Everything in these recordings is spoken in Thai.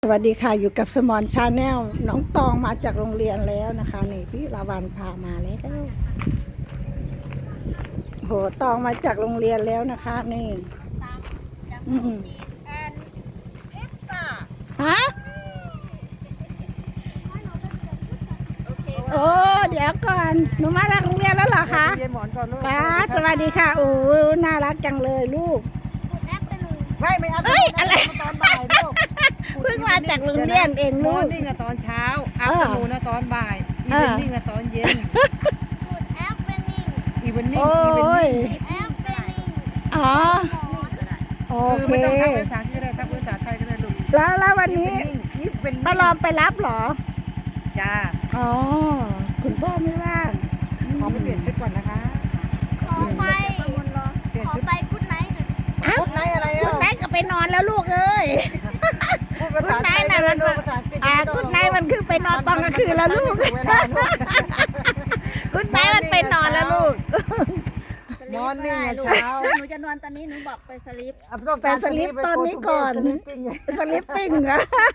สวัสดีค่ะอยู่กับสมอนชาแนลน้องตองมาจากโรงเรียนแล้วนะคะนี่พี่ลาวันพามาแล้วโหตองมาจากโรงเรียนแล้วนะคะนี่ฮะโอ้เดี๋ยวก่อนหนูมาจากโรงเรียนแล้วเหรอคะป้าสวัสดีค่ะโอ้น่ารักจังเลยลูกไม่อัพเอ้ยอะไรตอนบ่ายลูกเพิ่งมาจากโรงเรียนเองมลูอก ร์นิ่งอะตอนเช้าอัพนูนตอนบ่ายอีเวนนิ่งอะตอนเย็นอีเวนนิ่งโอ้ยอ๋อโอคือเคไม่ต้องทักภาษาที่ก็ได้ทักภาษาไทยก็ได้ลูกแล้ววันนี้อีเวนนิ่งป้าลอมไปรับเหรอจ้าอ๋อคุณพ่อไม่ว่างขอไปเปลี่ยนชุดก่อนนะคะขอไปเปลี่ยนขอชุดไปกุดไนท์หน่อยชุดไหนอะไรคุอ่ะณนายก็ไปนอนแล้วลูกเอ้ยพูดภาษาไทยน่ะมันลูกภาษาอังกฤษคุณนายมันคือไปนอนตอนกลางคืนแล้วลูกเวลาลูกคุณนายมันไปนอนแล้วลูกมอร์นิ่งอะลูกเช้าหนูจะนอนตอนนี้หนูบอกไปสลิปไปสลิปตอนนี้ก่อนสลิปปิ้งสลิปปิ้งนะ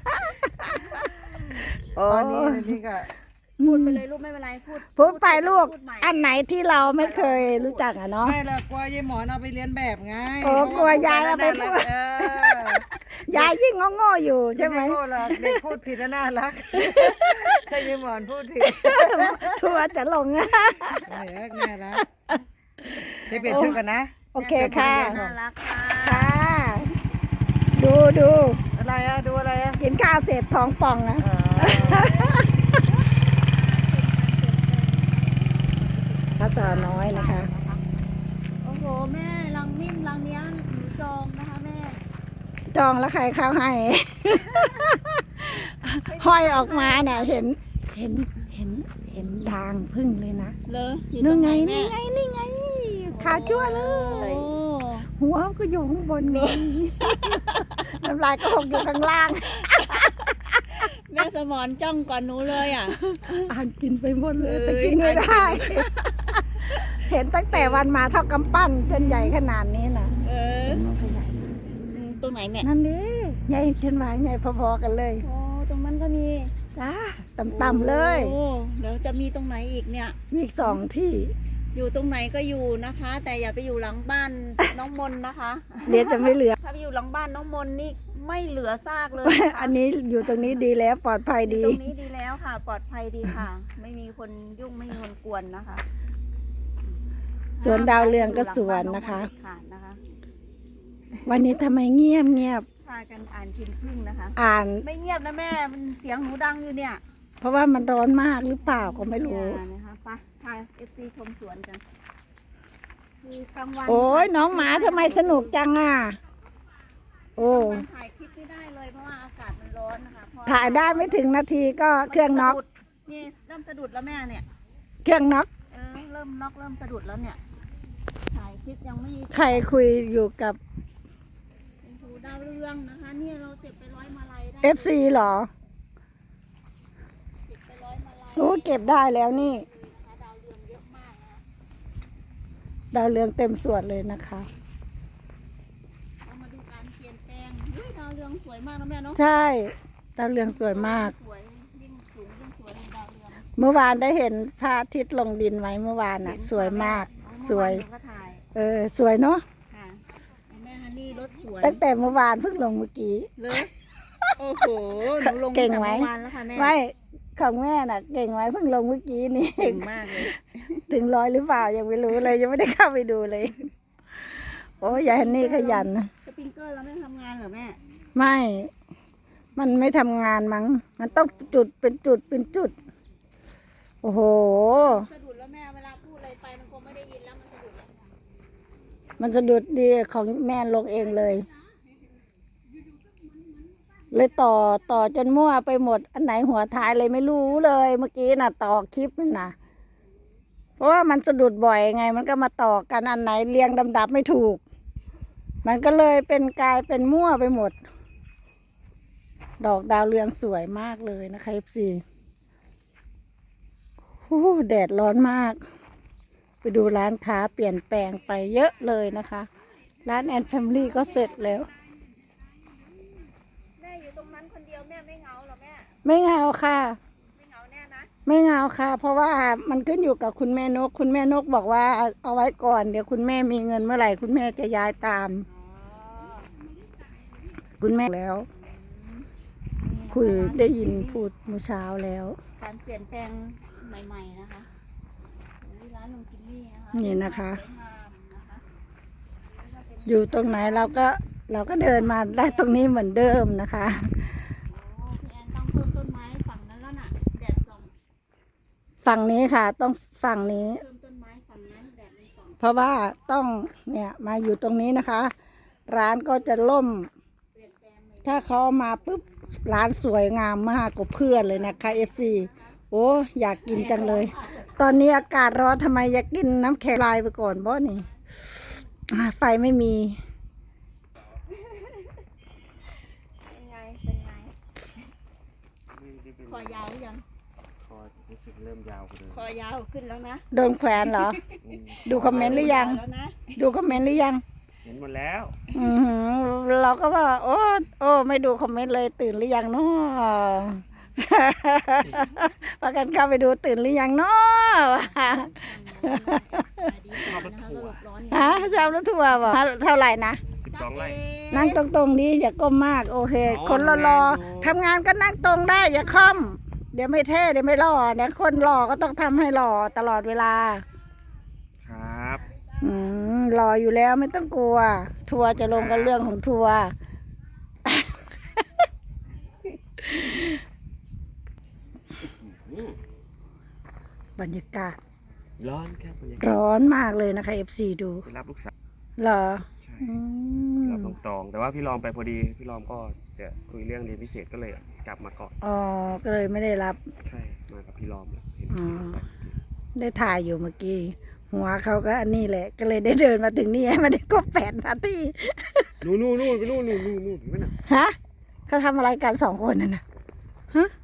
ตอนนี้นี่ก็พูดไปเลยลูกไม่เป็นไรพูดพูดไปลูกพูดใหม่อันไหนที่เราไม่เคยรู้จักอะเนาะไม่ละกลัวยายหมอนเอาไปเรียนแบบไงโอ้กลัวยายเอาไปพูด ยายยิ่งโง่ๆอยู่ใช่ไหมโง่หรอกเด็กพูดผิดน่ารักถ้ายายหมอนพูดผิดทัวร์จะลงอะน่ารักเดี๋ยวเปลี่ยนชุดกันนะโอเคค่ะน่ารักค่ะค่ะ ดูอะไรอะดูอะไรอะกินข้าวเสร็จท้องป่องนะภาษาน้อยนะคะโอ้โหแม่รังนิ่มรังเนี้ยหนูจองนะคะแม่จองแล้วใครเข้าให้ ห้อยออกมาเนี่ยเห็นดางพึ่งเลยนะเลยอยู่ตนู่รนงไงไหนแม่นี่ไงขาจั่วเลโอ้ย หัวก็อยู่ข้างบนนี่น้ำลายก็หกอยู่ข้างล่างแม่สมอนจ้องก่อนหนูเลยอ่ะอ่านกินไปหมดเลยเอ้ยแต่กินไม่ได้ เห็นตั้งแต่วันมาเท่ากำปั้นจนใหญ่ขนาดนี้นะเออมันขยายตรงไหนแม่นั่นดิใหญ่จนหวายใหญ่พอๆกันเลยโอ้ตรงนั้นก็มีจ้าต่ำๆเลยโอ้เดี๋ยวจะมีตรงไหนอีกเนี่ยมีอีก2 ที่อยู่ตรงไหนก็อยู่นะคะ แต่อย่าไปอยู่หลังบ้านน้องมนนะคะเดี๋ยวจะไม่เหลือถ้าไปอยู่หลังบ้านน้องมนนี่ไม่เหลือซากเลยนะคะอันนี้อยู่ตรงนี้ดีแล้วปลอดภัยอยู่ดีตรงนี้ดีแล้วค่ะ ปลอดภัยดีค่ะ ไม่มีคนยุ่งไม่มีคนกวนนะคะสวนดาวเรืองก็สวนนะคะค่ะนะคะวันนี้ทำไมเงียบพากันอ่านพิมพ์พึ่งนะคะอ่านไม่เงียบนะแม่มันเสียงหนูดังอยู่เนี่ยเพราะว่ามันร้อนมากหรือเปล่าก็ไม่รู้อย่านะคะไปพา FC ชมสวนกันคือกลางวันโอ้ยน้องหมาทำไมสนุกจังอ่ะ โอ้กลางวันถ่ายคลิปไม่ได้เลยเพราะว่าอากาศมันร้อนนะคะเพระถ่ายได้ไม่ถึงนาทีก็เครื่องน็อกสะดุดนี่เริ่มสะดุดแล้วแม่เนี่ยเครื่องน็อกเริ่มน็อกเริ่มสะดุดแล้วเนี่ย ถ่ายคลิปยังไม่ใครคุยอยู่กับโอ้โหดาวเรืองนะคะเนี่ยเราเจ็บไปร้อยมาลัยได้ FC เหรอเจ็บไปร้อยมาลัยโอ้เก็บได้แล้วนี่นะคะดาวเรืองเยอะมากนะคะดาวเรืองเต็มสวนเลยนะคะเรามาดูการเปลี่ยนแปลงอุ๊ยดาวเรืองสวยมากนะแม่เนาะใช่ดาวเรืองสวยมากสวยยิ่งสูงยิ่งสวยเลยดาวเรืองเมื่อวานได้เห็นพระอาทิตย์ลงดินไหมเมื่อวานน่ะ สวยมาก สวยเมื่อานหนูก็ถ่ายสวยเนาะค่ะแม่ฮันนี่รถสวนตั้งแต่เมื่อวานเพิ่งลงเมื่อกี้เลยโอ้โหหนูลงเก่งตั้แต่ไหมเมื่อวานแล้วค่ะแม่ไม่ของแม่น่ะ เก่งไหมเพิ่งลงเมื่อกี้นี่เก่งมากเลยถึง100หรือเปล่ายังไม่รู้เลย ยังไม่ได้เข้าไปดูเลย โอ้ยยายฮันนี่ขยันนะสปริงเกอร์เราไม่ทำงานเหรอแม่ไม่ มันไม่ทำงานมั้ง มันต้องจุดเป็นจุดเป็นจุด โอ้โหสะดุดแล้วแม่เวลาพูดอะไรไปมันคงไม่ได้ยินแล้วมันสะดุดแล้วมันสะดุดดีของแม่ลงเองเลย เลยต่อจนมั่วไปหมด อันไหนหัวท้ายเลยไม่รู้เลย เมื่อกี้น่ะต่อคลิปนั่นนะเพราะว่ามันสะดุดบ่อยไง มันก็มาต่อกันอันไหนเรียงลำดับไม่ถูก มันก็เลยเป็นกลายเป็นมั่วไปหมด ดอกดาวเรืองสวยมากเลยนะคะ FC โอ้แดดร้อนมาก ไปดูร้านค้าเปลี่ยนแปลงไปเยอะเลยนะคะ ร้านแอนแฟมิลี่ก็เสร็จแล้วแม่อยู่ตรงนั้นคนเดียวแม่ไม่เหงาเหรอแม่ไม่เหงาค่ะไม่เหงาแน่นะไม่เหงาค่ะ เพราะว่ามันขึ้นอยู่กับคุณแม่นก คุณแม่นกบอกว่าเอาไว้ก่อนเดี๋ยวคุณแม่มีเงินเมื่อไหร่คุณแม่จะย้ายตามอ๋อคุณแม่แล้ว คุยได้ยินพูดเมื่อเช้าแล้วการเปลี่ยนแปลงใหม่ๆนะคะนี่ร้านลุงจิมมี่นะคะนี่นะคะสวยงามนะคะอยู่ตรงไหนเราก็เดินมาได้ตรงนี้เหมือนเดิมนะคะโอ้พี่แอนต้องเพิ่มต้นไม้ฝั่งนั้นแล้วน่ะแดดส่องฝั่งนี้ค่ะ ต้องฝั่งนี้เพิ่มต้นไม้ฝั่งนั้นแดดมันส่องเพราะว่าต้องเนี่ยมาอยู่ตรงนี้นะคะ ร้านก็จะล่มเปลี่ยนแปลงใหม่ถ้าเขามาปุ๊บร้านสวยงามมากกว่าเพื่อนเลยนะคะ FC โอ้อยากกินจังเลย ตอนนี้อากาศร้อนทำไมอยากกินน้ำแข็งลายไปก่อนบ่นี่ไฟไม่มีเป็นไงเป็นไงคอยาวหรือยังคอรู้สึกเริ่มยาวกว่าเดิมคอยาวขึ้นแล้วนะโดนแขวนเหรอ ดูคอมเมนต์หรือยังแล้วนะดูคอมเมนต์หรือยังเห็นหมดแล้วอือหือเราก็ว่า โอ้ไม่ดูคอมเมนต์เลยตื่นหรือยังเนาะ พากันเข้าไปดูตื่นหรือยังเนาะชอบรถทัวร์ฮะชอบรถทัวร์บอกเท่าไหร่นะ 12 ไร่นั่งตรงๆนี้อย่าก้มมาก โอเค คนรอๆทำงานก็นั่งตรงได้อย่าค่อม เดี๋ยวไม่เท่เดี๋ยวไม่หล่อเนี่ยคนหล่อก็ต้องทำให้หล่อตลอดเวลาครับหล่ออยู่แล้วไม่ต้องกลัว ทัวร์จะลงกันเรื่องของทัวร์ บรรยากาศร้อนครับบรรยากาศร้อนมากเลยนะคะ FC ดูไปรับลูกสาวเหรอใช่อืมรับน้องตอง แต่ว่าพี่รอมไปพอดี พี่รอมก็จะคุยเรื่องเรียนพิเศษก็เลยกลับมาก่อนอ๋อ ก็เลยไม่ได้รับใช่ มากับพี่รอมเลยเห็นอ๋อพี่รอมไปได้ถ่ายอยู่เมื่อกี้ หัวเขาก็อันนี้แหละ ก็เลยได้เดินมาถึงนี่ให้มันได้ครบ8 นาทีนู่นไปนู่นเห็นไหมน่ะฮะเขาทำอะไรกัน2 คนนั่นน่ะฮะ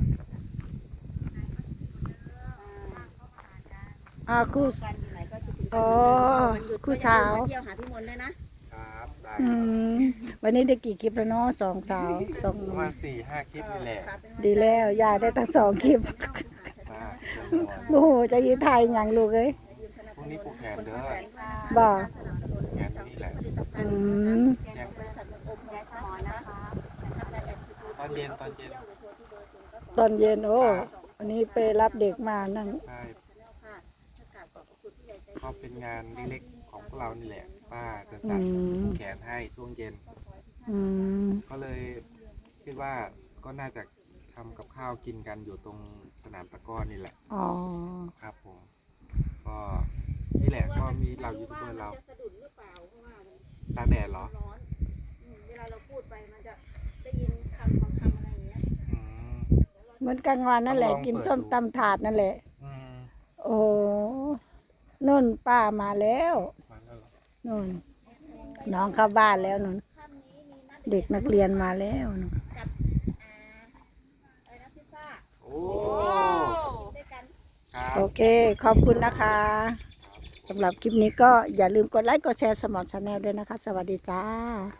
คู่กันอยู่ไหนก็คิดถึงอ๋อวันหยุดคู่สาวก็อย่ลืมมาเที่ยวหาพี่มนต์ด้วยนะครับได้อืมวันนี้ได้กี่คลิปแล้วเนาะ2 สาว2 ประมาณ4-5 คลิปนี่แหละเป็นวันดีแล้วยายได้ตั้ง2 คลิปมาโอ้โหจะยืนถ่ายอย่างลูกเอ้ยพรุ่งนี้ผูกแขนเด้อบอกแขนนี่แหละอืมแจ้งบริษัทมันอมยายสมอนนะคะนะครับรายละเอียดคือตอนเย็นตอนเย็นโอ้วันนี้ไปรับเด็กมานั่งใช่ค่ะกราบขอบพระคุณผู้ใหญ่ใจดีก็เป็นงานเล็กๆของพวกเรานี่แหละป้าจะอืตัดมแขนให้ช่วงเย็นอืมก็เลยคิดว่าก็น่าจะทำกับข้าวกินกันอยู่ตรงสนามตะกร้อนี่แหละอ๋อครับผม ก็นี่แหละก็มีเรายูทูบเบอร์เราจะสะดุดหรือเปล่าเพราะว่ามันตากแดดเหรอร้อนเวลาเราพูดไปมันจะได้ยินคำบางคำอะไรอย่างเงี้ยอืมเหมือนกลางวันนั่นแหละ กินส้มตำถาดนั่นแหละอืมโอ้นุ่นป้ามาแล้วมาแล้วเหรอนุ่นน้องเข้าบ้านแล้วนุ่นเด็กนักเรียนมาแล้วนุ่นกับอะไรนะพิซซ่าโอ้ด้วยกันครับโอเค ขอบคุณนะคะสำหรับคลิปนี้ก็อย่าลืมกดไลค์กดแชร์สมอลชาแนลด้วยนะคะ สวัสดีจ้า